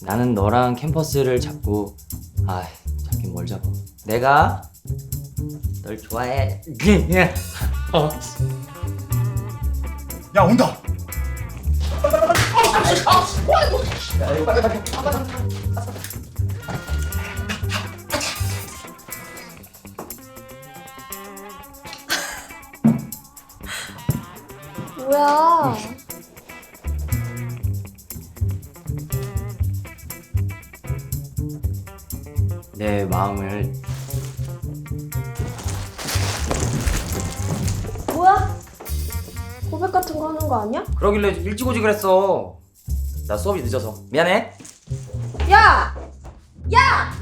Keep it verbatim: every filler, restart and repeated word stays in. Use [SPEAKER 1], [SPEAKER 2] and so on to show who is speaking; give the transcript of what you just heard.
[SPEAKER 1] 나는 너랑 캠퍼스를 잡고 아 잡긴 뭘 잡아. 내가 널 좋아해. 어.
[SPEAKER 2] 야 온다.
[SPEAKER 3] 뭐야?
[SPEAKER 1] 내 마음을
[SPEAKER 3] 뭐야? 고백 같은 거 하는 거 아니야?
[SPEAKER 1] 그러길래 일찍 오지 그랬어. 나 수업이 늦어서 미안해.
[SPEAKER 3] 야! 야!